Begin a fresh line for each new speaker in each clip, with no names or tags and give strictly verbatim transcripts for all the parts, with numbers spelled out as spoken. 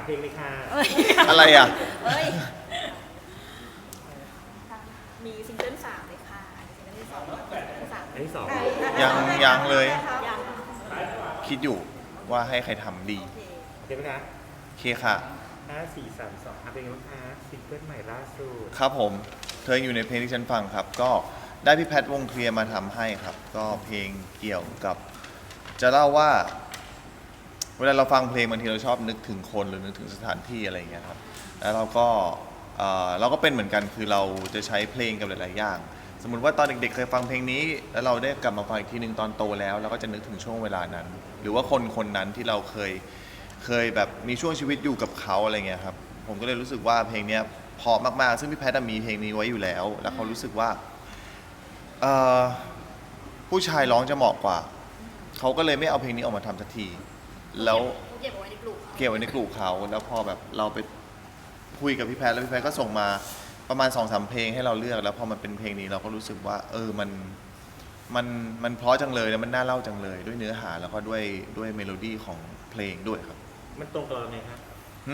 เพลงเลยค่ะ
อะไรอ่ะ
มีซิงเกิลสามเลยค่ะซิงเกิลที่สองสาม
อันที่สอง
ยังยังเลย
ยัง
คิดอยู่ว่าให้ใครทำดี
โอเคไหมคะ
โอเคค่ะ
ห้าสี่สามสองเป็นไงบ้างคะซิงเกิลใหม่ล่าสุด
ครับผมเธออยู่ในเพลงที่ฉันฟังครับ ก็ได้พี่แพทวงเคลียร์มาทำให้ครับ ก็เพลงเกี่ยวกับ จะเล่าว่า เวลาเราฟังเพลงบางทีเราชอบนึกถึงคนหรือนึกถึงสถานที่อะไรอย่างเงี้ยครับแล้วเราก็เอ่อเราก็เป็นเหมือนกันคือเราจะใช้เพลงกับหลายๆอย่าง สมมุติว่าตอนเด็กๆเคยฟังเพลงนี้แล้วเราได้กลับมาฟังอีกทีหนึ่งตอนโตแล้วเราก็จะนึกถึงช่วงเวลานั้น หรือว่าคนคนนั้นที่เราเคยเคยแบบมีช่วงชีวิตอยู่กับเขาอะไรเงี้ยครับผมก็เลยรู้สึกว่าเพลงนี้เพราะมากๆซึ่งพี่แพทย์มีเพลงนี้ไว้อยู่แล้ว แล้วเขารู้สึกว่าผู้ชายร้องจะเหมาะกว่าเขาก็เลยไม่เอาเพลงนี้ออกมาทำสักทีแล้ว
เก็บไว้ในกลุ่ม
เก็บไว้ในกลุ่มเขาแล้วพอแบบเราไปคุยกับพี่แพทย์แล้วพี่แพทย์ก็ส่งมาประมาณ สองสาม เพลงให้เราเลือกแล้วพอมันเป็นเพลงนี้เราก็รู้สึกว่าเออมันมันมันเพราะจังเลยแล้วมันน่าเล่าจังเลยด้วยเนื้อหาแล้วก็ด้วยด้วยเมโลดี้ของเพลงด้วยครับ
มันตรงกับเราไหมครับ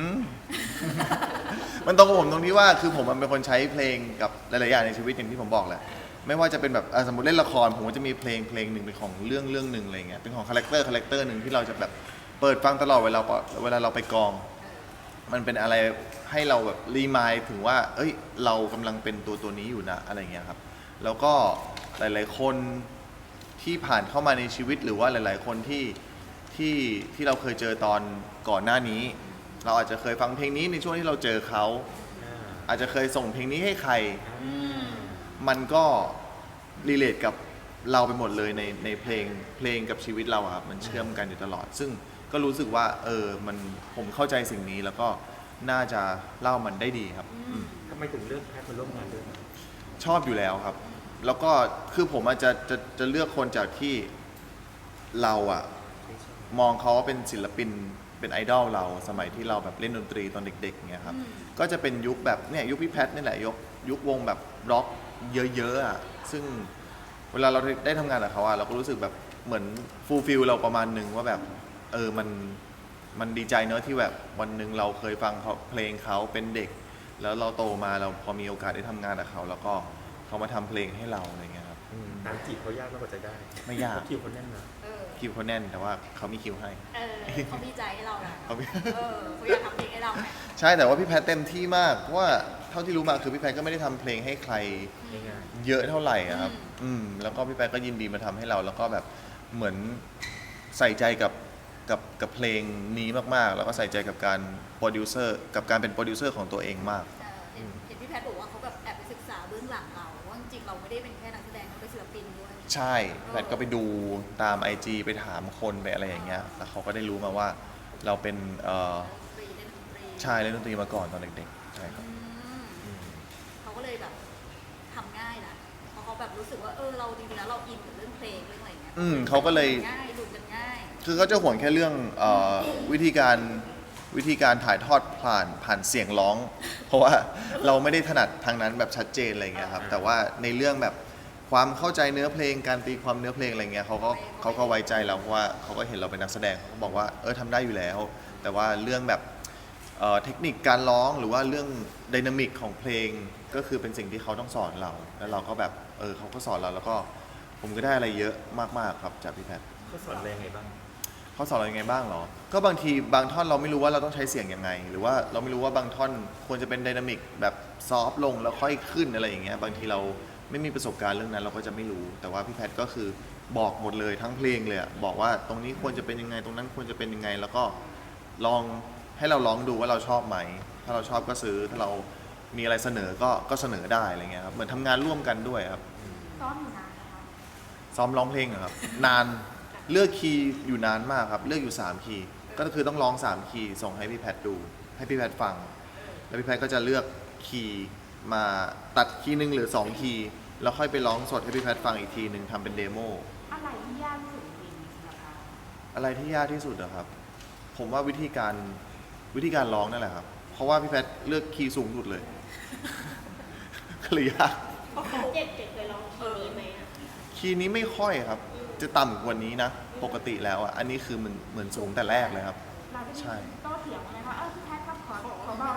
มันตรงกับผมตรงที่ว่าคือผมมันเป็นคนใช้เพลงกับหลายๆอย่างในชีวิตอย่างที่ผมบอกแหละไม่ว่าจะเป็นแบบสมมติเล่นละครผมก็จะมีเพลงเพลงหนึ่งเป็นของเรื่องเรื่องหนึ่งอะไรเงี้ยเป็นของคาแรคเตอร์คาแรคเตอร์หนึ่งที่เราจะแบบเปิดฟังตลอดเวลาเวลาเราไปกองมันเป็นอะไรให้เราแบบรีมายถึงว่าเอ้ยเรากำลังเป็นตัวตัวนี้อยู่นะอะไรเงี้ยครับแล้วก็หลายๆคนที่ผ่านเข้ามาในชีวิตหรือว่าหลายๆคนที่ที่ที่เราเคยเจอตอนก่อนหน้านี้เราอาจจะเคยฟังเพลงนี้ในช่วงที่เราเจอเขาอาจจะเคยส่งเพลงนี้ให้ใครมันก็รีเลทกับเราไปหมดเลยในในเพลงเพลงกับชีวิตเราครับมันเชื่อมกันอยู่ตลอดซึ่งก็รู้สึกว่าเออมันผมเข้าใจสิ่งนี้แล้วก็น่าจะเล่ามันได้ดีครับ
ทำไมถึงเลือกแพทย์มาร่วมงานด้วย
ชอบอยู่แล้วครับแล้วก็คือผมอาจจะจะจะเลือกคนจากที่เราอะมองเขาว่าเป็นศิลปินเป็นไอดอลเราสมัยที่เราแบบเล่นดนตรีตอนเด็กๆเงี้ยครับก็จะเป็นยุคแบบเนี่ยยุคพี่แพทนี่แหละยุคยุควงแบบร็อกเยอะๆอะซึ่งเวลาเราได้ทำงานกับเขาอะเราก็รู้สึกแบบเหมือนฟูลฟิลเราประมาณหนึ่งว่าแบบเออมันมันดีใจเนอะที่แบบวันหนึ่งเราเคยฟังเขาเพลงเขาเป็นเด็กแล้วเราโตมาเราพอมีโอกาสได้ทำงานกับเขาแล้วก็เขามาทำเพลงให้เราอะไรเงี้ยครับ
ตามจีบเขายากมากกว่าจะได้
ไม่ยาก
คิวเขาแน่นนะ
คิวเขาแน่นแต่ว่าเขามีคิวให้
เขามีใจให้เราแหละ
เขา
เขาอยากทำเพลงให้เรา
ใช่แต่ว่าพี่แพทเต็มที่มากเพราะว่าเท่าที่รู้มาคือพี่แพทก็ไม่ได้ทำเพลงให้ใครเยอะเท่าไหร่ครับอืมแล้วก็พี่แพทก็ยินดีมาทำให้เราแล้วก็แบบเหมือนใส่ใจกับกับกับเพลงนี้มากๆแล้วก็ใส่ใจกับการโปรดิวเซอร์กับการเป็นโปรดิวเซอร์ของตัวเองมาก
เห็นพี่แพทบอกว่าเขาแบบแอบไปศึกษาเบื้องหลังเราว่าจริงเราไม่ได้เป็นแค่นักแสดงเราเป็นศิลปินด้วย
ใช่แพทก็ไปดูตาม ไอ จี ไปถามคนไปอะไรอย่างเงี้ยแล้วเขาก็ได้รู้มาว่าเราเป็นเอ่อใช่เล่นดนตรีมาก่อนตอนเด็กๆใช่ครับ
เขาก็เลยแบบทำง่ายนะเพราะเขาแบบรู้สึกว่าเออเราจริงๆแล้วเราอินกับเรื่องเพลงเรื่องอะไรเงี้ย
อืมเขาก็เลย
ง่ายดูกันง่าย
คือเขาจะห่วงแค่เรื่องเอ่อวิธีการวิธีการถ่ายทอดผ่านผ่านเสียงร้องเพราะว่าเราไม่ได้ถนัดทางนั้นแบบชัดเจนอะไรเงี้ยครับแต่ว่าในเรื่องแบบความเข้าใจเนื้อเพลงการตีความเนื้อเพลงอะไรเงี้ยเขาก็เขาก็ไว้ใจเราเพราะว่าเขาก็เห็นเราเป็นนักแสดงเขาบอกว่าเออทำได้อยู่แล้วแต่ว่าเรื่องแบบเเทคนิคการร้องหรือว่าเรื่องไดนามิกของเพลงก็คือเป็นสิ่งที่เขาต้องสอนเราแล้วเราก็แบบเออเขาก็สอนเราแล้วก็ผมก็ได้อะไรเยอะมากๆครับจากพี่แพท
เขาสอนอะไรไงบ้าง
เขาสอนเรายังไงบ้างเหรอก็บางทีบางท่อนเราไม่รู้ว่าเราต้องใช้เสียงยังไงหรือว่าเราไม่รู้ว่าบางท่อนควรจะเป็นไดนามิกแบบซอฟลงแล้วค่อยขึ้นอะไรอย่างเงี้ยบางทีเราไม่มีประสบการณ์เรื่องนั้นเราก็จะไม่รู้แต่ว่าพี่แพทก็คือบอกหมดเลยทั้งเพลงเลยอะบอกว่าตรงนี้ควรจะเป็นยังไงตรงนั้นควรจะเป็นยังไงแล้วก็ลองให้เราลองดูว่าเราชอบไหมถ้าเราชอบก็ซื้อถ้าเรามีอะไรเสนอก็ก็เสนอได้อะไรเงี้ยครับเหมือนทำงานร่วมกันด้วยครับ
ซ้อมอยู่นานนะคะ
ซ้อมร้องเพลงเหรอครับนานเลือกคีย์อยู่นานมากครับเลือกอยู่สามคีย์ก็คือต้องร้องสามคีย์ส่งให้พี่แพทดูให้พี่แพทฟังแล้วพี่แพทก็จะเลือกคีย์มาตัดคีย์หนึ่งหรือสองคีย์แล้วค่อยไปร้องสดให้พี่แพทฟังอีกทีหนึ่งทำเป็นเดโม
อะไรที่ยากที่สุดจริงๆนะคะ
อะไรที่ยากที่สุดอะครับผมว่าวิธีการวิธีการร้องนั่นแหละครับเพราะว่าพี่แพทเลือกคีย์สูงสุดเลยก็เลยยาก
เจ็ดเจ็ดเคยร้องคีย์นี้ไหมอะ
คีย์นี้ไม่ค่อยครับจะต่ำกว่านี้นะปกติแล้วอ่ะอันนี้คือเหมือนเหมือนสูงแต่แรกเลยครับ
ใช่โต้เถียงอะไรคะเออพี่แพท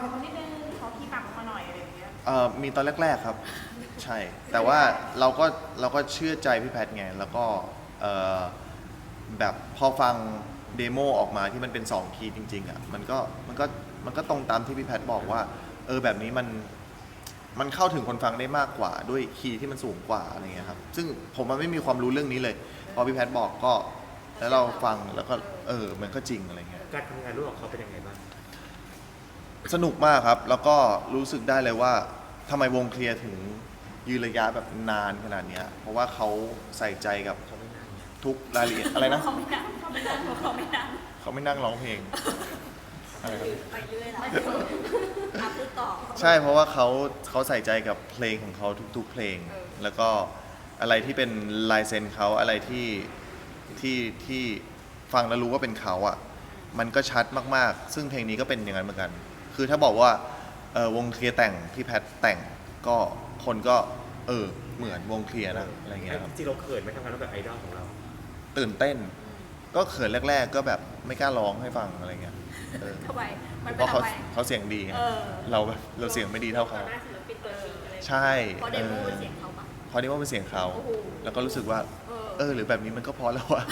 เป็นคนนิดนึงเขาขี้ปากออกมาหน่อยอะไรอย่างเงี้ย
เอ่อมีตอนแรกๆครับ ใช่ แต่ว่าเราก็เราก็เชื่อใจพี่แพทไงแล้วก็เอ่อแบบพอฟังเดโมออกมาที่มันเป็นสองคีย์จริงๆอ่ะมันก็มันก็มันก็ตรงตามที่พี่แพทบอกว่าเออแบบนี้มันมันเข้าถึงคนฟังได้มากกว่าด้วยคีย์ที่มันสูงกว่าอะไรเงี้ยครับซึ่งผมมันไม่มีความรู้เรื่องนี้เลยพอพี่แพทบอกก็แล้วเราฟังแล้วก็เออมันก็จริงอะไรเงี้ย
การทำงานร่วมกับเขาเป็นยังไงบ้าง
สนุกมากครับ แล้วก็รู้สึกได้เลยว่าทำไมวงเคลียร์ถึงยืนระยะแบบนานขนาดเนี้ยเพราะว่าเขาใส่ใจกับ
เขาไม่นาน
ทุกรายละเอียดอะไรนะ
เขาไม่นั่งเขาไม่นั่งเขาไม่นั่ง
เขาไม่นั่งร้องเพลงอะไรครับ
ไปเรื่อยแล้วอ่ะพูดต่อ
ใช่เพราะว่าเขาเขาใส่ใจกับเพลงของเขาทุกๆเพลง
เออ
แล้วก็อะไรที่เป็นลายเซ็นเขาอะไรที่ที่ที่ฟังแล้วรู้ว่าเป็นเขาอ่ะมันก็ชัดมากๆ ซึ่งเพลงนี้ก็เป็นอย่างนั้นเหมือนกัน คือถ้าบอกว่าเออวงเคลียร์แต่งพี่แพทแต่งก็คนก็เออเหมือนวงเคลียร์นะอะไรเงี้ยครับ
จริงๆเราเขินไหม่ทำงานร่วมกับไอดอลของเรา
ตื่นเต้น ก็เขินแรก ๆ ก็แบบไม่กล้าร้องให้ฟังอะไรเงี้ยเออ
ทำไมมัน
เพ
เป็น
ราะเขา
ทำไม
เขาเสียงดีไง
เออ
เราแบบเราเสียงไม่ดีเท่าเขา
หน้าศิลปินตัวจริงอะไร
ใช่
เพราะเดโมเป็นเสียงเขาปะ
พอนี้ว่าเป็นเสียงเขา
โอ้โห
แล้วก็รู้สึกว่า
เออ
เออ หรือแบบนี้มันก็พอแล้วอะ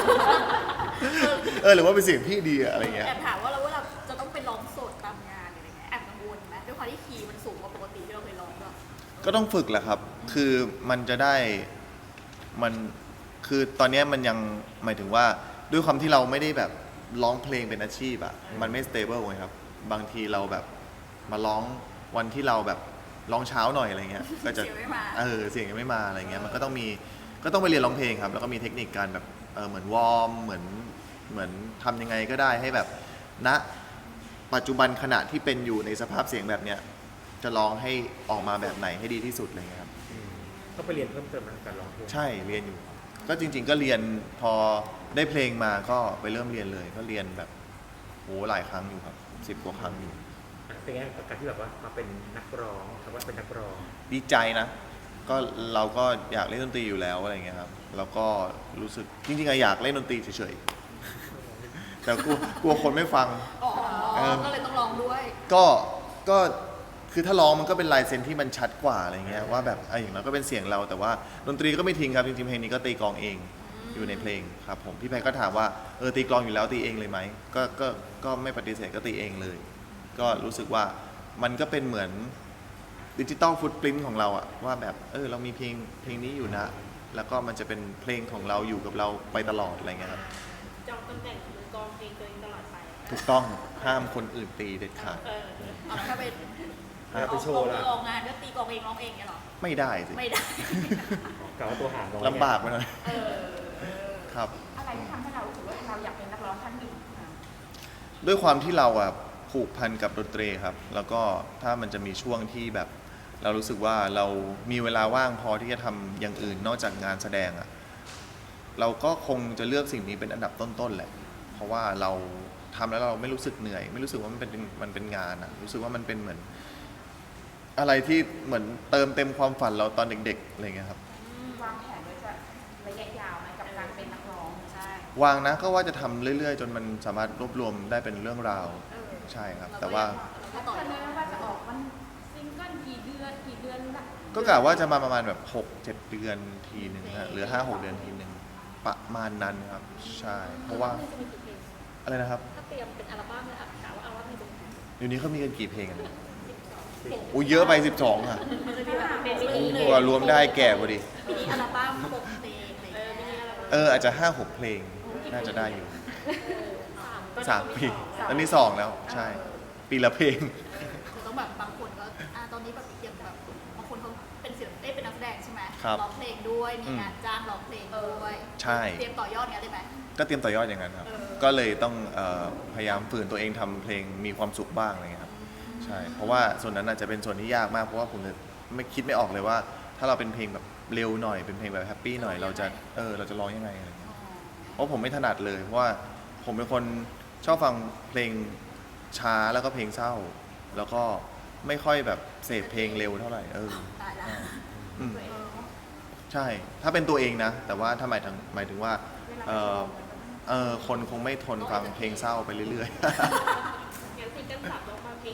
เออ หรือว่าเป็นเสียงพี่ดีอะอะไรเงี้ย
แอบถามว่าเราเวลาจะต้องไปร้องสดตามงานอะไรเงี้ยแอบกังวลไหมด้วยความที่คีย์มันสูงกว่าปกติที่เราเคยร้องด้วย
ก็ต้องฝึกแหละครับ คือมันจะได้ มัน คือตอนเนี้ยมันยังหมายถึงว่าด้วยความที่เราไม่ได้แบบร้องเพลงเป็นอาชีพอะมันไม่สเตเบิลไงครับ บางทีเราแบบมาร้องวันที่เราแบบร้องเช้าหน่อยอะไรเงี้ย ก็จะ
เสียงไม่มา
เออ เสียงยังไม่มาอะไรเงี้ย มันก็ต้องมี ก็ต้องไปเรียนร้องเพลงครับ แล้วก็มีเทคนิคการแบบ เออเหมือนวอร์ม เหมือน เหมือนทำยังไงก็ได้ให้แบบ ณ ปัจจุบันขณะที่เป็นอยู่ในสภาพเสียงแบบเนี้ย จะร้องให้ออกมาแบบไหนให้ดีที่สุดอะไรเงี้ยครับ
อืมต้องไปเรียนเพิ่มเติมในการร้องเพลง
ใช่ เรียนอยู่ ก็จริง ๆ ก็เรียนพอได้เพลงมาก็ไปเริ่มเรียนเลย ก็เรียนแบบโหหลายครั้งอยู่ครับสิบกว่าครั้งอยู่
เป็นไงกับการที่แบบว่ามาเป็นนักร้องคำว่าเป็นนักร้อง
ดีใจนะ ก็เราก็อยากเล่นดนตรีอยู่แล้วอะไรเงี้ยครับ แล้วก็รู้สึกจริงๆอะอยากเล่นดนตรีเฉยๆ แต่กลัวกลัวคนไม่ฟัง
อ๋อ
เออ
ก็เลยต้องร้องด้วย
ก็ก็คือถ้าร้องมันก็เป็นลายเซ็นที่มันชัดกว่าอะไรเงี้ยว่าแบบไอ้อย่างนั้นก็เป็นเสียงเราแต่ว่าดนตรีก็ไม่ทิ้งครับจริงๆเพลงนี้ก็ตีกลองเองอยู่ในเพลงครับผมพี่แพรก็ถามว่าเออตีกลองอยู่แล้วตีเองเลยไหมก็ก็ก็ไม่ปฏิเสธก็ตีเองเลย ก็รู้สึกว่ามันก็เป็นเหมือนดิจิตอลฟุตปรินท์ของเราอะว่าแบบเออเรามีเพลงเพลงนี้อยู่นะ แล้วก็มันจะเป็นเพลงของเราอยู่กับเราไปตลอดอะไรเงี้ยครับ
จองตำแหน่งมือกลองเพลงตัวเองตลอดไป
ถูกต้องห้ามคนอื่นตีเด็ดขาด
เออ
เอาแล้วถ้าเป็น
ถ้าไปโชว์ล่ะ
ออกงานก็ตีกลองเองร้องเองเนี่ยเหรอ
ไม่ได้สิ
ไม่ได้
กล่าวว่าตัวหางร้อง
ลำบากไปหน่อย
เออเออ
ครับ
อะไรที่ทำให้เรารู้สึกว่าเราอยากเป็นนักร้องท่านหนึ่งอ่ะ
ด้วยความที่เราอะผูกพันกับดนตรีครับ แล้วก็ถ้ามันจะมีช่วงที่แบบ เรารู้สึกว่าเรามีเวลาว่างพอที่จะทำอย่างอื่นนอกจากงานแสดงอะเราก็คงจะเลือกสิ่งนี้เป็นอันดับต้นๆแหละ เพราะว่าเราทำแล้วเราไม่รู้สึกเหนื่อย ไม่รู้สึกว่ามันเป็นมันเป็นงานอะรู้สึกว่ามันเป็นเหมือน อะไรที่เหมือนเติมเต็มความฝันเราตอนเด็กๆอะไรเงี้ยครับ
วางแผนไว้จะระยะยาวไหมกับการเป็นนักร้อง
ใช่
วางนะก็ว่าจะทำเรื่อยๆ จนมันสามารถรวบรวมได้เป็นเรื่องราว
เออ
ใช่ครับ
เรก็
แต่ว่า
เราก็ต่อ
ตอน
ย
นี้
อด
ว่าจะออกมันซิงเกิลกี่เดือนกี่เดือนแบบ
ก็กะว่าจะมาประมาณแบบหกเจ็ดเดือนทีหนึ่งฮะหรือห้าหกเดือนทีหนึ่งประมาณนั้นครับ ใช่ เพราะว่า
จะมีกี่เพลง
อะไรนะครับ
ถ้าเตรียมเป็นอัลบั้มเลยอ่ะถามว่าอัลบั้มมีกี่เพลง
เดี๋ยวนี้เขามีกันกี่เพลงกันเนี่ยอุ้ยเยอะไปสิบสองอ่ะ
มันจะมีแบบเป็นมินิ
กว่ารวมได้แก่พอดี
มินิอัลบั้มหกเพลงอะไรอย่างเงี้ย
เอออาจจะห้าหกเพลงน่าจะได้อยู่สามปีตอนนี้สองแล้ว ใช่ ปีละเพลง
คือต้องแบบบางคนก็อ่าตอนนี้แบบอย่างแบบบางคนเขาเป็นศิลปินเอ้ยเป็นนักแสดงใช่ไหม
ครับ
ร้องเพลงด้วยมีงานจ้างร้องเพลงด้วย
ใช่
เตรียมต่อยอดเนี้ยได้ไหม
ก็เตรียมต่อยอดอย่างนั้นครับ
เออ
ก็เลยต้องเออพยายามฝืนตัวเองทำเพลงมีความสุขบ้างอะไรเงี้ยครับ ใช่ เพราะว่าส่วนนั้นอาจจะเป็นส่วนที่ยากมาก เพราะว่าผมจะไม่คิดไม่ออกเลยว่า ถ้าเราเป็นเพลงแบบเร็วหน่อย เป็นเพลงแบบแฮปปี้หน่อย เราจะ เออ เราจะร้องยังไงอะไรเงี้ย เพราะผมไม่ถนัดเลย เพราะว่าผมเป็นคนชอบฟังเพลงช้าแล้วก็เพลงเศร้า แล้วก็ไม่ค่อยแบบเสพเพลงเร็วเท่าไหร่ เออ
ตายละ
อืม
เออ
ใช่ ถ้าเป็นตัวเองนะ แต่ว่าถ้าหมายถึงหมายถึงว่า เออเออคนคงไม่ทนฟังเพลงเศร้าไปเรื่อยๆ
งั้นซิงเกิลสามลงมาเพลงเร็วแล้ว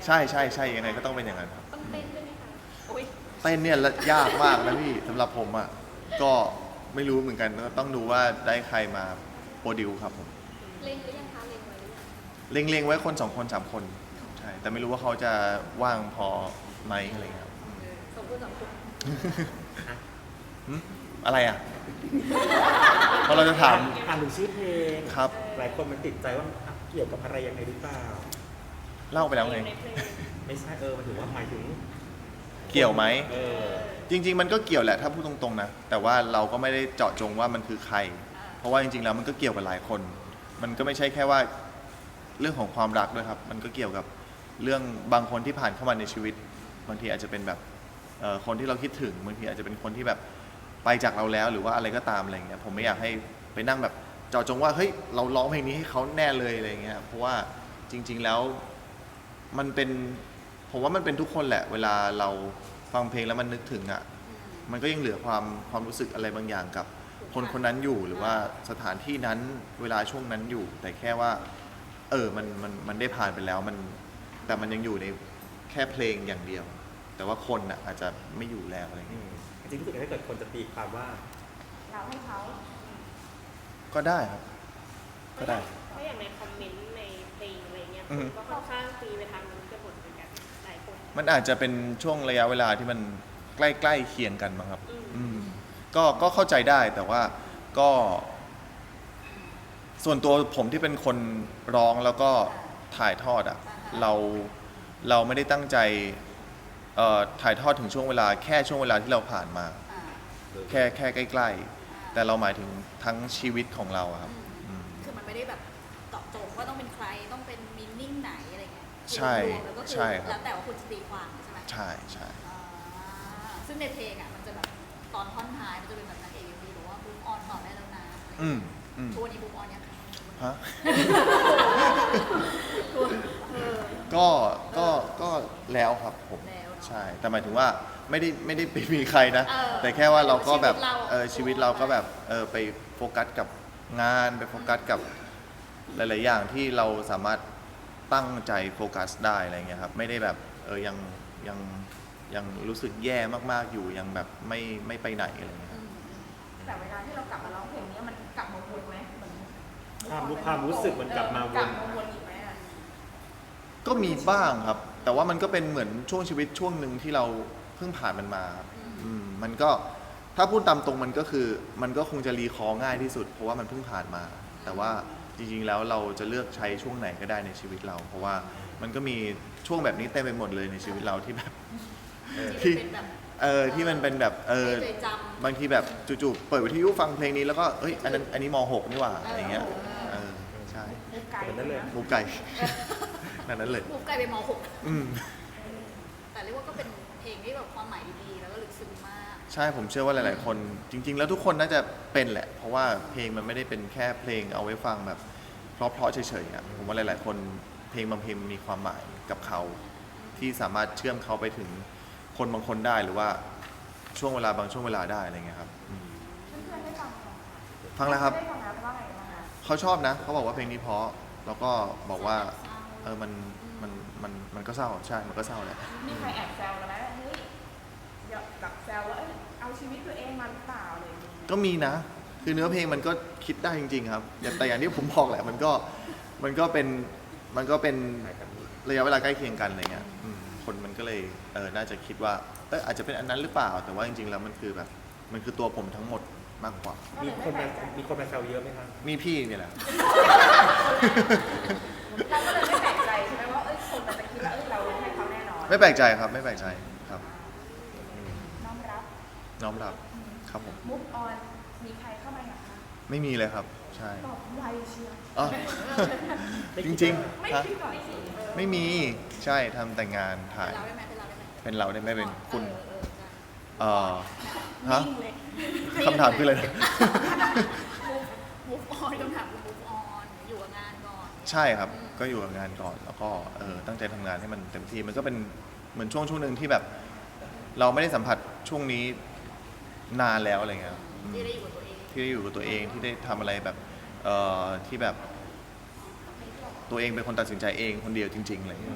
ใช่ใช่ใช่ยังไงก็ต้องเป็นอย่างนั้นครับ
ต้องเต้นด้วยไหมคะ
โอ้ย
เต้นเนี่ยละยากมากนะพี่สำหรับผมอ่ะก็ไม่รู้เหมือนกันก็ต้องดูว่าได้ใครมาโปรดิวครับผม
เล็งหรือยังคะเล็งไว้หรือยัง
เล็งๆไว้คนสองคนสามคนใช่แต่ไม่รู้ว่าเขาจะว่างพอไหมอะไรเงี้ยครับ
สมควรสมควร
หึอะไรอ่ะเพราะเราจะถาม
ถามถึงชื่อเพลง
ครับ
หลายคนมันติดใจว่าเกี่ยวกับอะไรยังไงหรือเปล่า
เล่าไปแล้วไง
ในเพลง
ไม่ใช่เออมันถือว่าหมายถึง
เกี่ยวไหม
เออ
จริง ๆ มันก็เกี่ยวแหละถ้าพูดตรงๆนะแต่ว่าเราก็ไม่ได้เจาะจงว่ามันคือใคร เพราะว่าจริงๆแล้วมันก็เกี่ยวกับหลายคน มันก็ไม่ใช่แค่ว่าเรื่องของความรักด้วยครับ มันก็เกี่ยวกับเรื่องบางคนที่ผ่านเข้ามาในชีวิต บางทีอาจจะเป็นแบบเอ่อคนที่เราคิดถึงบางทีอาจจะเป็นคนที่แบบไปจากเราแล้วหรือว่าอะไรก็ตามอะไรเงี้ยผมไม่อยากให้ไปนั่งแบบเจาะจงว่าเฮ้ยเราร้องเพลงนี้ให้เขาแน่เลยอะไรเงี้ยเพราะว่าจริง ๆแล้วมันเป็นผมว่ามันเป็นทุกคนแหละ เวลาเราฟังเพลงแล้วมันนึกถึงอ่ะมันก็ยังเหลือความความรู้สึกอะไรบางอย่างกับคนคนนั้นอยู่หรือว่าสถานที่นั้นเวลาช่วงนั้นอยู่ แต่แค่ว่าเออมันมันมันได้ผ่านไปแล้วมันแต่มันยังอยู่ในแค่เพลงอย่างเดียว แต่ว่าคนอ่ะอาจจะไม่อยู่แล้วอะไร
อื
เงี้ย
มจริงๆรู้สึกถ้าเกิดคนจะตีความว่า
เราให้เขา
ก็ได้ครับ ก็ได้
ถ้าอย่างในคอมเมนต์ในเพลงอะไรเงี้ย
อือฮึ
ก็ค่อนข้างตีไปทางนู้นกันหมดเหมือนกันหลายคน
มันอาจจะเป็นช่วงระยะเวลาที่มันใกล้ๆเคียงกันมั้งครับ
อืม
อืมก็ก็เข้าใจได้แต่ว่าก็ส่วนตัวผมที่เป็นคนร้องแล้วก็ถ่ายทอดอ่ะเราเราไม่ได้ตั้งใจเอ่อถ่ายทอดถึงช่วงเวลาแค่ช่วงเวลาที่เราผ่านมา
อ่า
แค่แค่ใกล้ๆแต่เราหมายถึงทั้งชีวิตของเราอะครับ
อืม
อืม
คือมันไม่ได้แบบเจาะจงว่าต้องเป็นใครต้องเป็นมินนิ่งไหนอะไรเงี้ย
ใช่
รวมๆแล้วก็คือ
ใช่ครับ
แล้วแต่ว่าคุณจะตีความใช่ไหม
ใช่ใช่
อ่าซึ่งในเพลงอ่ะมันจะแบบตอนท่อนท้ายมันจะเป็นแบบนางเอกอยู่ดีบอกว่าบูมออนต่อได้แล้วนะอะไร
อื
เงี้
ม
ย
อืม
ทุกวันนี้บูมออนยังคะ
ฮะ
เออ
ก็ก็ก็แล้วครับผม
แล้วเนอะ
ใช่แต่หมายถึงว่าไม่ได้ไม่ได้ไปมีใครนะ
เออ
แต่แค่ว่าเราก็แบบ
ชีวิตเราอะ
เออชีวิตเราก็แบบเออไปโฟกัสกับงานไปโฟกัสกับหลาย ๆ อย่างที่เราสามารถตั้งใจโฟกัสได้อะไรเงี้ยครับไม่ได้แบบเออยังยังยังรู้สึกแย่มาก ๆ อยู่ยังแบบไม่ไม่ไปไหนอะไรเงี้ยครับ
แต่เวลาที่เรากลับมาร้องเพลงนี้มันกลับมาวนไหมเหมือน
ความรู้ความรู้สึกมันกลับมาวน
กลับมาวนอีกไหมอะ
ก็มีบ้างครับ แต่ว่ามันก็เป็นเหมือนช่วงชีวิตช่วงหนึ่งที่เราเพิ่งผ่านมันมาครับอืมมันก็ถ้าพูดตามตรงมันก็คือมันก็คงจะรีคอร์ง่ายที่สุด เพราะว่ามันเพิ่งผ่านมา แต่ว่าจริงๆแล้วเราจะเลือกใช้ช่วงไหนก็ได้ในชีวิตเรา เพราะว่ามันก็มีช่วงแบบนี้เต็มไปหมดเลยในชีวิตเราที่แบบ
ที่มันเป็นแบบ
เออที่มันเป็นแบบเออ
ให้เคยจำ
บางทีแบบจู่ๆเปิดวิทยุฟังเพลงนี้แล้วก็เอ้ยอันนั้นอันนี้ม หก นี่หว่าอะไรเงี้ยเออใช่
มุกไก่
แบบนั้นเลย
มุกไก่ นั่นนั้นเลย
บูมกลายเป็นมหก
อืม
แต่เรียกว่าก็เป็นเพลงที่แบบความหมายดีๆแล้วก็ลึกซึ้งมาก
ใช่ผมเชื่อว่าหลาย ๆ คนจริง ๆ แล้วทุกคนน่าจะเป็นแหละ เพราะว่าเพลงมันไม่ได้เป็นแค่เพลงเอาไว้ฟังแบบเพราะๆเฉยๆอ่ะผมว่าหลาย ๆ คนเพลงบางเพลงมันมีความหมายกับเขา ที่สามารถเชื่อมเขาไปถึงคนบางคนได้หรือว่าช่วงเวลาบางช่วงเวลาได้อะไรเงี้ยครับอืม
เพื่อนๆได้ฟังไหม
ฟังแล้วครับ
ได้ฟังแล้วว่าไงบ้างคะ
เขาชอบนะเขาบอกว่าเพลงนี้เพราะแล้วก็บอกว่าเออมันมันมันมันก็เศร้าใช่มันก็เศร้าแหละ
มีใครแอบแซวกันไหมว่าเฮ้ยเดี๋ยวกับแซวว่าเอ้ยเอาชีวิตตัวเองมาหรือเปล่าอะไรอย่างเงี้ย
ก็มีนะ คือเนื้อเพลงมันก็คิดได้จริง ๆ ครับแต่แต่อย่างที่ผมบอกแหละ มันก็มันก็เป็นมันก็เป็นระยะเวลาใกล้เคียงกันอะไรเงี้ยอืมคนมันก็เลยเออน่าจะคิดว่าเอออาจจะเป็นอันนั้นหรือเปล่า แต่ว่าจริงๆแล้วมันคือแบบมันคือตัวผมทั้งหมดมากกว่า
มีคนมามีคนมาแซวเยอะไหมครับ
มีพี่เนี่ยแหละ
เราก็เลยไม่แปลกใจใช่ไหมว่าเอ้ยคนมันจะคิดว่าเอ้ยเราให้เขาแน่นอน
ไม่แปลกใจครับไม่แปลกใจครับ
น้อมรับ
น้อมรับครับผม
มุกออนมีใครเข้ามาอย่างคะ
ไม่มีเลยครับ ใช่
ตอบไวเชียว
อ๋อ จริง
ไม่
ๆฮะ
คิดก่อนสิเออ
ไม่มีใช่ทำแต่งงานถ่าย
เป็นเราได้ไหมเป็นเราได้ไหม
เป็นเราได้ไหมเป็นคุณ
เออเออ
เอ่อฮะ
นิ่งเลย
คำถามคืออะไรนะ
มูฟออนคำถามคือมูฟออนอยู่กับงานก่อน
ใช่ครับ ก็อยู่กับงานก่อน แล้วก็เออตั้งใจทำงานให้มันเต็มที่ มันก็เป็นเหมือนช่วงช่วงหนึ่งที่แบบ เราไม่ได้สัมผัสช่วงนี้นานแล้วอะไรเงี้ยอืม
ที่ได้อยู่กับตัวเอง
ที่ได้อยู่กับตัวเองที่ได้ทำอะไรแบบเอ่อที่แบบตัวเองเป็นคนตัดสินใจเองคนเดียวจริงๆอะไรเงี้ย
ถ้า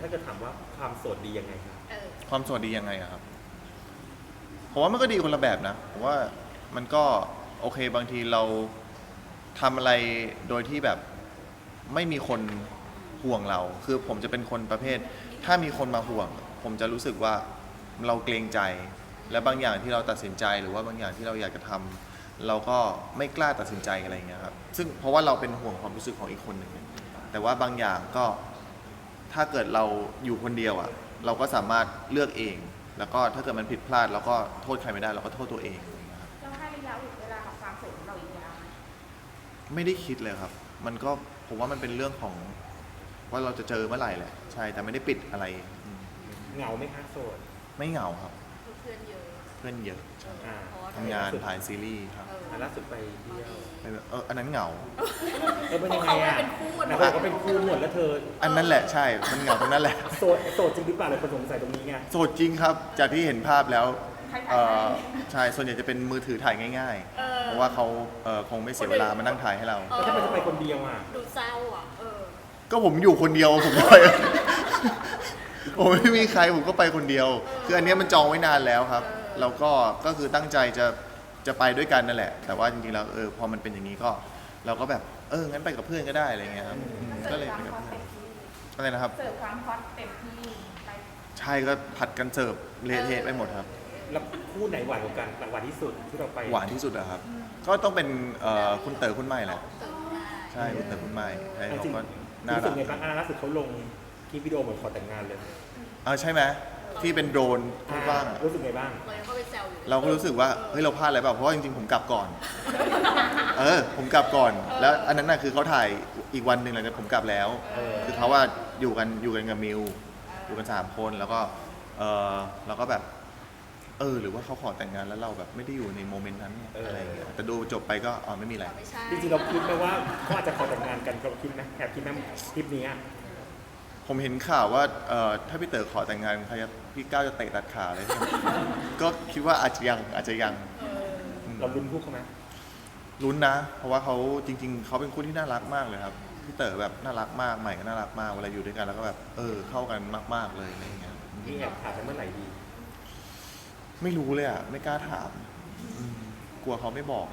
ถ้าเกิดถามว่าความโสดดียังไงครับ
เออ
ความโสดดียังไงอะครับผมว่ามันก็ดีคนละแบบนะผมว่ามันก็โอเคบางทีเราทำอะไรโดยที่แบบไม่มีคนห่วงเรา คือผมจะเป็นคนประเภท ถ้ามีคนมาห่วง ผมจะรู้สึกว่าเราเกรงใจ และบางอย่างที่เราตัดสินใจหรือว่าบางอย่างที่เราอยากจะทำเราก็ไม่กล้าตัดสินใจอะไรอย่างเงี้ยครับซึ่งเพราะว่าเราเป็นห่วงความรู้สึกของอีกคนหนึ่งแต่ว่าบางอย่างก็ถ้าเกิดเราอยู่คนเดียวอ่ะเราก็สามารถเลือกเอง แล้วก็ถ้าเกิดมันผิดพลาดเราก็โทษใครไม่ได้เราก็โทษตัวเองอะไรอย่างเงี้ยครับ
เราให้ระยะเวลากับความโสดของเราอีกยาวไหม
ไม่ได้คิดเลยครับ มันก็ผมว่ามันเป็นเรื่องของว่าเราจะเจอเมื่อไหร่แหละใช่แต่ไม่ได้ปิดอะไรอืม
เหงาไหมคะโสด
ไม่เหงาครับ
เพื่อนเยอะ
เพื่อนเยอะ
อ่า
เพราะว่า
ทำงานถ่ายซีรีส์ครับ
เออ
อ่ะล่าสุดไปเที่ยว
ไปแบบเอออันนั้นเหงา
เออเป็นยังไงอ่ะ
เขาเป็นคู่อะ
นะบอกว่าเป็นคู่หมดแล้วเธอ
อันนั้นแหละใช่ มันเหงาตรงนั้นแหละ
โสดโสดจริงหรือเปล่าเลยคนสงสัยตรงนี้ไง
โสดจริงครับ จากที่เห็นภาพแล้ว
ใคร
เอ
ถ่าย
อ
ให้
ใช่ ส่วนใหญ่จะเป็นมือถือถ่ายง่าย
เออ
ๆ เพราะว่าเขาเออคงไม่เสียเวลามานั่งถ่ายให้เรา
เออ
แล้วทำไมจะไปคนเดียวอ่ะ
ดูเศร้าอ่ะ เออ
ก็ผมอยู่คนเดียวผมไป ผมไม่มีใครผมก็ไปคนเดียว คืออันเนี้ยมันจองไว้นานแล้วครับ
เออ
แล้วก็ก็คือตั้งใจจะจะไปด้วยกันนั่นแหละ แต่ว่าจริงๆแล้วเออพอมันเป็นอย่างนี้ก็ เราก็แบบเอองั้นไปกับเพื่อนก็ได้อะไรเงี้ยครับอืม
เสิ
ก็
ร์ฟ
เลย
ค
ไป
วาม
กับ
ฮอต
เพื่อน
เต็มที่
อะไรนะครับ
เสิร์ฟความฮอตเต็มที่ไป
ใช่ก็ผัดกันเสิร์ฟเละเทะไปหมดครับ
แล้วคู่ไหนหวานกว่ากันหวานที่สุดที่เราไป
หวานที่สุดอะครับ ก็ต้องเป็นเอ่อคุณเต๋อคุณใหม่แหละ
ตื่นมา
ใช่คุณเต๋อคุณใหม่ใช่
จ
เขา
ริง
ก็
ๆ
น่า
รู้สึ
รั
ก
ก
ไงบ้างอ่ะล่าสุดเขาลงคลิปวิดีโอเหมือนขอแต่งงานเลย
เออใช่ไหมที่เป็นโดรนพูดบ้างอะ
รู้สึกไงบ้าง
เรายังเข้าไปแซวอยู่
เราก็รู้สึกว่าเฮ้ยเราพลาดอะไรเปล่าเพราะว่าจริงๆผมกลับก่อน เออผมกลับก่อน แล้วอันนั้นน่ะคือเขาถ่ายอีกวันหนึ่งหลังจากผมกลับแล้ว
เออ
คือเขาว่าอยู่กันอยู่กันกับมิวอยู่กันสามคนแล้วก็เออเราก็แบบ เออ หรือว่าเขาขอแต่งงานแล้วเราแบบไม่ได้อยู่ในโมเมนต์นั้นเนี่ยอะไรอย่างเงี้ยแต่ดูจบไปก็อ๋อไม่มีอะไร
ไม่ใช่
จริงๆเราคิดไหมว่าเขาอาจจะขอแต่งงานกันเราคิดไหมแอบคิดไหมคลิปนี้อะ
ผมเห็นข่าวว่าเอ่อถ้าพี่เต๋อขอแต่งงานใครจะพี่ก้าวจะเตะตัดขาเลย ก็คิดว่าอาจจะยังอาจจะยังม
เราลุ้นคู่เขาไหม
ลุ้นนะ เพราะว่าเขาจริง ๆเขาเป็นคู่ที่น่ารักมากเลยครับพี่เต๋อแบบน่ารักมากใหม่ก็น่ารักมากเวลาอยู่ด้วยกันแล้วก็แบบเออเข้ากันมากๆเลยอะไรอย่างเงี้ย
นี่แอบถามไปเมื่อไหร่ดี
ไม่รู้เลยอ่ะไม่กล้าถามอืมกลัวเขาไม่บอก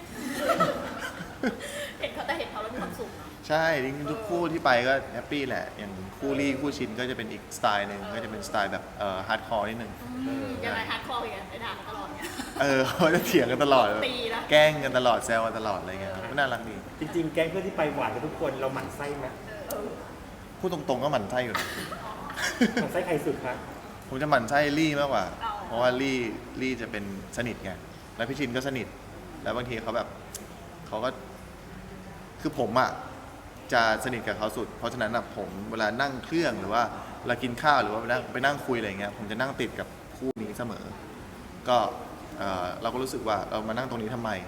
เห็นเขาแต่เห็นเขาแล้วมีความสุขเนอะ
ใช่จริงๆทุกคู่ที่ไปก็แฮปปี้แหละอย่างคู่รี่คู่ชินก็จะเป็นอีกสไตล์หนึ่งก็จะเป็นสไตล์แบบเอ่อฮาร์ดคอร์นิดนึง
อืมยังไงฮาร์ดคอร์กันไปด่ากันตลอดเนี่ย
เออเขาจะเถียงกันตลอด
ตีนะ
แกล้งกันตลอดแซวกันตลอดอะไรเงี้ยครับก็น่ารักดี
จริงๆ แก๊งเพื่อนที่ไปหวานกันทุกคนเราหมั่นไส้ไหม
พูดตรงๆก็หมั่นไส้อยู่นะ
หมั่นไส้ใครสุดคะ
ผมจะหมั่นไส้ลี่มากกว่า
อ๋อ
เพราะว่าลี่ลี่จะเป็นสนิทไงแล้วพี่ชินก็สนิท แล้วบางทีเขาแบบเขาก็คือผมอ่ะจะสนิทกับเขาสุด เพราะฉะนั้นอะผมเวลานั่งเครื่องหรือว่าเวลากินข้าวหรือว่าไปนั่งไปนั่งคุยอะไรเงี้ยผมจะนั่งติดกับคู่นี้เสมอ ก็เอ่อเราก็รู้สึกว่าเรามานั่งตรงนี้ทำไม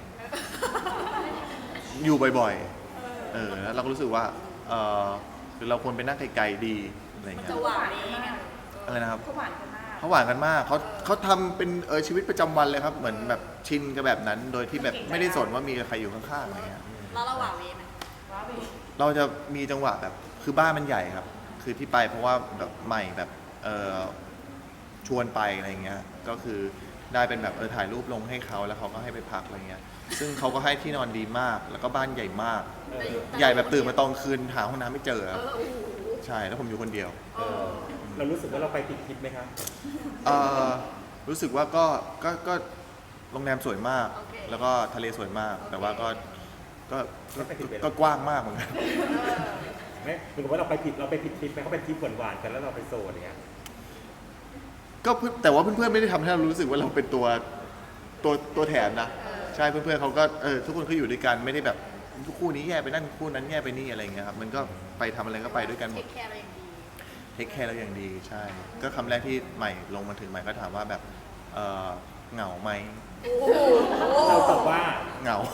อยู่บ่อยๆ เออแล้วเราก็รู้สึกว่าเออคือเราควรไปนั่งไกลๆดีอะไร
มัน
เงี้ย
จะหวานเองอะ
อะไรนะครับ
เขาหวานกันมาก
เขาหวานกันมากเขาเขาทำเป็นเออชีวิตประจำวันเลยครับ เหมือนแบบชินกับแบบนั้น โดยที่แบบไม่ได้สนว่ามีใครอยู่ข้างๆอะไรเงี้ย
แล้วเราหวานเวไหม
ว้าวดิ
เราจะมีจังหวะแบบคือบ้านมันใหญ่ครับ คือที่ไปเพราะว่าแบบใหม่แบบเออชวนไปอะไรเงี้ยก็คือได้เป็นแบบเออถ่ายรูปลงให้เขาแล้วเขาก็ให้ไปพักอะไรเงี้ยซึ่งเขาก็ให้ที่นอนดีมาก แล้วก็บ้านใหญ่มาก
เออ
ใหญ่แบบตื่นมาตอนคืนหาห้องน้ำไม่เจอ
เอ
ครับ
อโอ้โห
ใช่แล้วผมอยู่คนเดียว
เออเรารู้สึกว่าเราไปผิดทิศไหมครับ
เอ่อรู้สึกว่าก็ก็ก็โรงแรมสวยมาก แล้วก็ทะเลสวยมาก แต่ว่าก็ก็ก็ก็กว้างมากเหมือนกัน
ไม่เหมือนกับว่าเราไปผิดเราไปผิดทริปไหมเขาเป็นทริปหวานๆกันแล้วเราไปโซนอย่างเงี้ย
ก็เพื่อนแต่ว่าเพื่อนๆไม่ได้ทำให้เรารู้สึกว่าเราเป็นตัวตัวตัวแถมนะใช่เพื่อนๆเขาก็เออทุกคนก็อยู่ด้วยกันไม่ได้แบบทุกคู่นี้แย่ไปนั่นคู่นั้นแย่ไปนี่อะไรอย่างเงี้ยครับมันก็ไปทำอะไรก็ไปด้วยกันหม
เท
ด
คแคร์เราอย่างดี
เทคแคร์เราอย่างดีใช่ ก็คำแรกที่ใหม่ลงมาถึงใหม่ก็ถามว่าแบบเออเหงาไหม
โอ้โห
เราตอบว่า
เหงา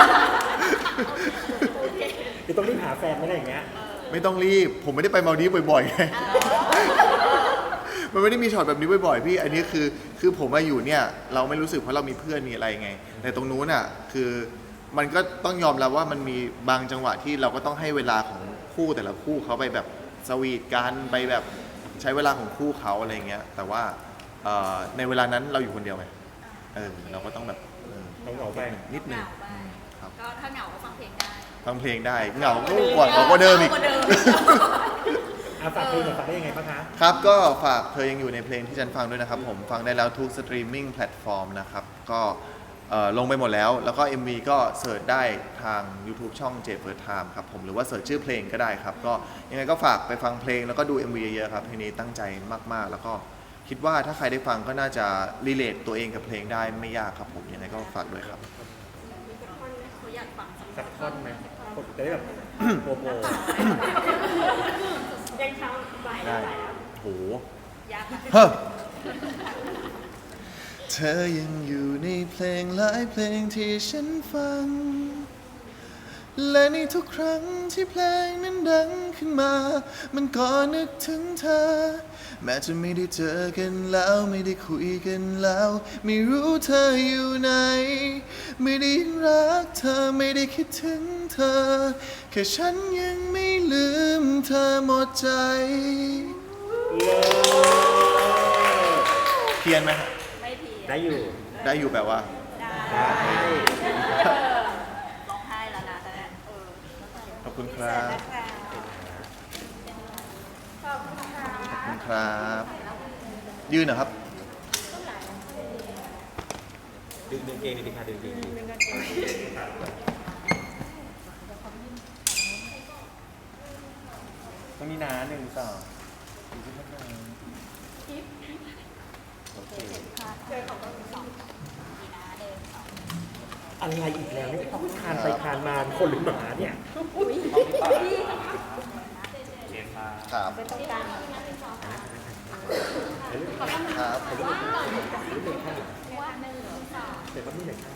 โอเค
คือต้องรีบหาแฟนไม่ได้อย่างเงี้ย
ไม่ต้องรีบผมไม่ได้ไปมาลดีฟบ่อยๆไง มันไม่ได้มีช็อตแบบนี้บ่อยๆพี่ อันนี้คือคือผมมาอยู่เนี่ยเราไม่รู้สึกเพราะเรามีเพื่อนมีอะไรไง แต่ตรงนู้นอ่ะคือมันก็ต้องยอมรับว่ามันมีบางจังหวะที่เราก็ต้องให้เวลาของคู่แต่ละคู่เขาไปแบบสวีทกันไปแบบใช้เวลาของคู่เขาอะไรเงี้ยแต่ว่าเอ่อในเวลานั้นเราอยู่คนเดียวไงเออเราก็ต้องแบบเออ
ต้องเหงาไป
นิด
เห
นึง
งาไป
ครับ
ก็ถ้าเหงาก็ฟังเพลงได้
ฟังเพลงได้เหงาก็กว่าเหงากว่าเดิมอีก
เหงากว่าเดิม
เอาฝากเพลงหน่อยฝากได้ยังไงบ้างคะ
ครับก็ฝากเธอยังอยู่ในเพลงที่ฉันฟังด้วยนะครับผมฟังได้แล้วทุกสตรีมมิ่งแพลตฟอร์มนะครับก็เอ่อลงไปหมดแล้ว แล้วก็ เอ็ม วี ก็เสิร์ชได้ทาง YouTube ช่อง J First Time ครับผมหรือว่าเสิร์ชชื่อเพลงก็ได้ครับก็ยังไงก็ฝากไปฟังเพลงแล้วก็ดู เอ็ม วี เยอะๆครับเพลงนี้ตั้งใจมากๆ แล้วก็คิดว่าถ้าใครได้ฟังก็น่าจะรีเลทตัวเองกับเพลงได้ไม่ยากครับผมยังไงก็ฝากด้วยครับ
เขาอยากฟังสัก
สักท่อนไหมจะได้แบบโปรโมท
ยังเช้าบ่ายแล้วบ่ายแล้ว
โห
ยากอะ
เฮ้อเธอยังอยู่ในเพลงหลายเพลงที่ฉันฟัง และในทุกครั้งที่เพลงนั้นดังขึ้นมา มันก็นึกถึงเธอ แม้จะไม่ได้เจอกันแล้วไม่ได้คุยกันแล้ว ไม่รู้เธออยู่ไหน ไม่ได้รักเธอไม่ได้คิดถึงเธอ แค่ฉันยังไม่ลืมเธอหมดใจ เพี้ยนไหมฮะ
ไม่เพีย
ได้อยู่
ได้อยู่แปลว่า
ได้
ได้
ร้องไห้แล้วนะแต่เนี่ยเออ
ขอบคุณครับ
ขอบคุณค่ะ
ขอบคุณครับ ยืนเหรอครับ
ดึงดึงเกงดิค่ะดึงดึงดึง ตรงนี้นะหนึ่งสองโอเค
เจอของเราสอง
มีนะเดินสอง
อะไรอีกแล้วนี่ต้องคานไปคานมาคนหรือหมาเนี่ย
ครับ
เป็นตรงกลาง
ครับ
เดี๋ยวก็มีหนึ่งข้าง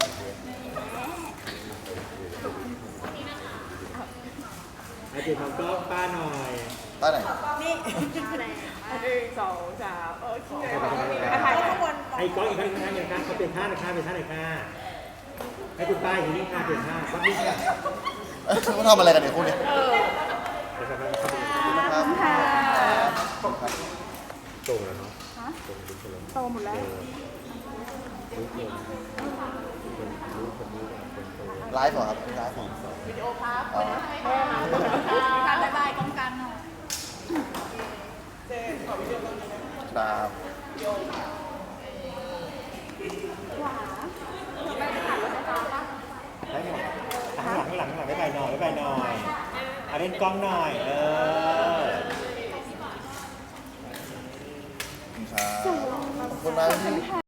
อาเจมองก็ป้าหน่อย
ป้าไหน
นี่
หนึ่งสองสามโอเค
ถ่า
ถ่าย ย
ข้างบน
ไอ้ก้องอีกข้างข้างอย่างข้างเขาเป็นท่าหนึ่งข้างเป็นท่าไหนข้าให้คุณป้าอยู่นี่ข้าเป็นท่าวัดนี้ค่ะ
เขาทำอะไรกันเนี่ยคู่เนี้ย
เดี๋ยวไปเข้าไป
ครับค่ะครับ
ตรงแล้วเนาะตรงดูคนละ
โตหมดแล้ว
รู้คนรู้คนรู้คนโต
ไลฟ์เหรอครับไลฟ์ของ
วิดีโอครับ
อ๋อ
การบายบายกองกันหน่อย
ครับ
ได้หมดข้างหลังข้างหลังข้างหลังไม่ไปหน่อยไม่ไปหน่อยเอาเล่นกล้องหน่อยเออ
ขอบคุณครับขอบคุณมากที่